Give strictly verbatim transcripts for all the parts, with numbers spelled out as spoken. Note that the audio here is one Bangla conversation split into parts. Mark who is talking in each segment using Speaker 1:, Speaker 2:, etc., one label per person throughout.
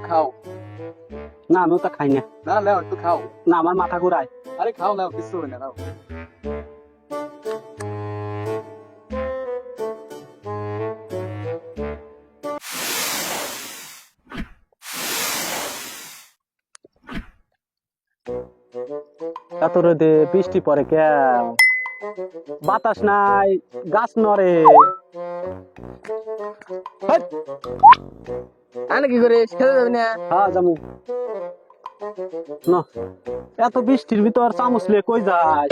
Speaker 1: খাও।
Speaker 2: না আমিও তা খাই না।
Speaker 1: না নাও একটু খাও।
Speaker 2: না আমার মাথা ঘুরায়।
Speaker 1: আরে খাও নাও, কিছু হবে না, নাও।
Speaker 2: এত রোদে বৃষ্টি পরে কেন? বাতাস নাই, গাছ নড়ে।
Speaker 3: আনে কি করে খেতে যাবি না?
Speaker 2: হ্যাঁ যাবো না। এত বৃষ্টির ভিতর চামচ লিয়ে কই যায়?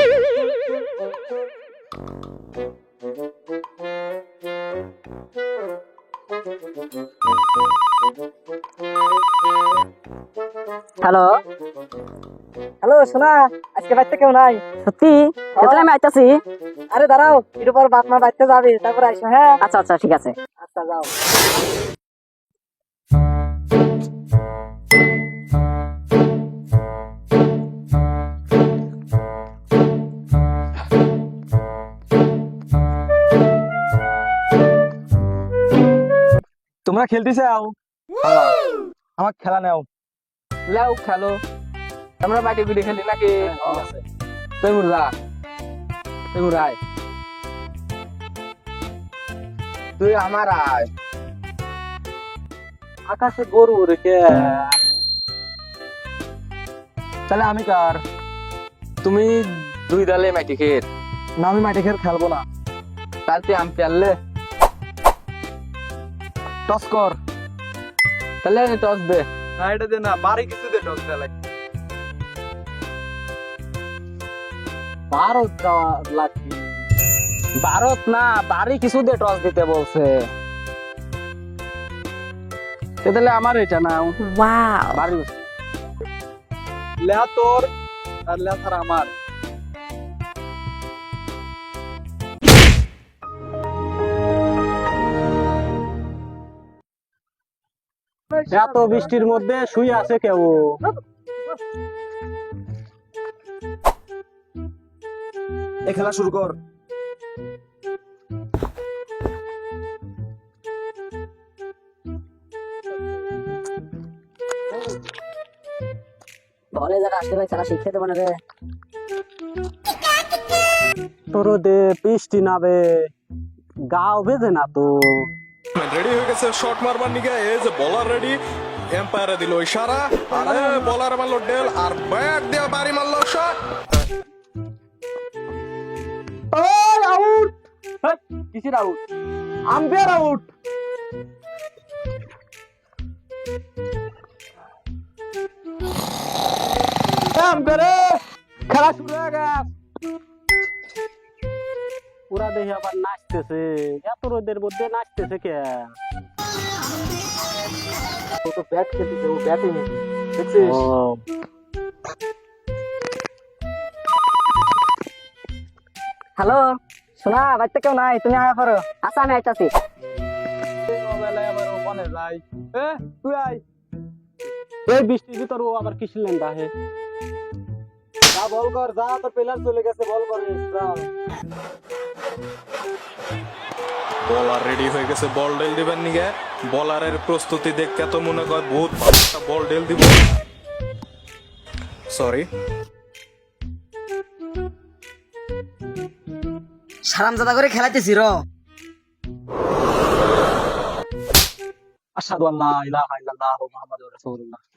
Speaker 3: হ্যালো হ্যালো, শোনা আজকে বাড়িতে কেউ নাই?
Speaker 4: সত্যি? তাহলে আমি আইতাছি।
Speaker 3: আরে দাঁড়াও, একটু পর বাপ মা বাড়িতে যাবে, তারপর আইসো। হ্যাঁ
Speaker 4: আচ্ছা আচ্ছা ঠিক আছে।
Speaker 3: আচ্ছা যাও।
Speaker 1: তোমরা খেলতে চাও? আমার খেলা নাও।
Speaker 3: লাও খেলো, আমরা বাড়ি গুড়ি খেলি নাকি? তুই মুরগা, তুই মুরাই, তুই আমার আয়।
Speaker 2: আকাশে গরু রেখে
Speaker 1: তাহলে আমি কার?
Speaker 3: তুমি দুই দলে মাটি খেত,
Speaker 1: না আমি মাঠে খেল খেলবো না।
Speaker 3: তাহলে তুই আম পেলে,
Speaker 1: টস কর।
Speaker 3: তাহলে টস দে।
Speaker 1: না এটা দে না, বাড়ি কিছু দে, টস দেয়া লাগে।
Speaker 2: ভারত যাওয়া লাগবে।
Speaker 3: ভারত না, বাড়ি কিছু দে, টস দিতে বলছে।
Speaker 2: তাহলে আমার এটা না
Speaker 4: ওয়াও,
Speaker 2: বাড়ি
Speaker 1: লেহা তোর আর লেহা ছাড়া আমার।
Speaker 2: এত বৃষ্টির মধ্যে শুয়ে আছে কেউ?
Speaker 1: এই খেলা শুরু কর।
Speaker 4: বলে যারা আসলে ভাই খেলা শিখতে দেবো না রে।
Speaker 2: তোর দে বৃষ্টি নাবে, গাও ভেজে না তো।
Speaker 5: রেডি হয়ে গেছে শট মারবার নিকে। এই যে বলার রেডি, এম্পায়ারে দিল ইশারা, আরে বলার মারলো ডেল, আর ব্যাট দিয়ে বাড়ি মারলো শট।
Speaker 2: আউট! কিসের আউট? Umpire out. খেলা শুরু হয়ে গেছে। পুরা দেখে আবার নাচতেছে। এত রোদের মধ্যে নাচতেছে কে?
Speaker 3: ও তো ব্যাট খেলতেছে, ও ব্যাটিং দেখছিস?
Speaker 2: ও
Speaker 4: হ্যালো, শোনা বাড়িতে কেউ নাই, তুমি আয়া পারো। আচ্ছা আমি আইতাছি।
Speaker 1: মোবাইলে আবার ওখানে যাই। এ তুই আয়।
Speaker 2: এই বৃষ্টির ভিতর ও আবার কিসের লেন্দা হে?
Speaker 1: যা বল কর, যা তোর প্লেয়ার চলে গেছে, বল কর।
Speaker 5: বলার রেডি হয়ে গেছে বল ডেল দিবেন নিকে। বলারের প্রস্তুতি দেখে তো মনে কর বহুত ভালো একটা বল ডেল দিব। সরি,
Speaker 3: সারামজাদা করে খেলাইতেছি র।
Speaker 2: আশহাদু আল্লা ইলাহা ইল্লাল্লাহু মুহাম্মাদুর রাসূলুল্লাহ।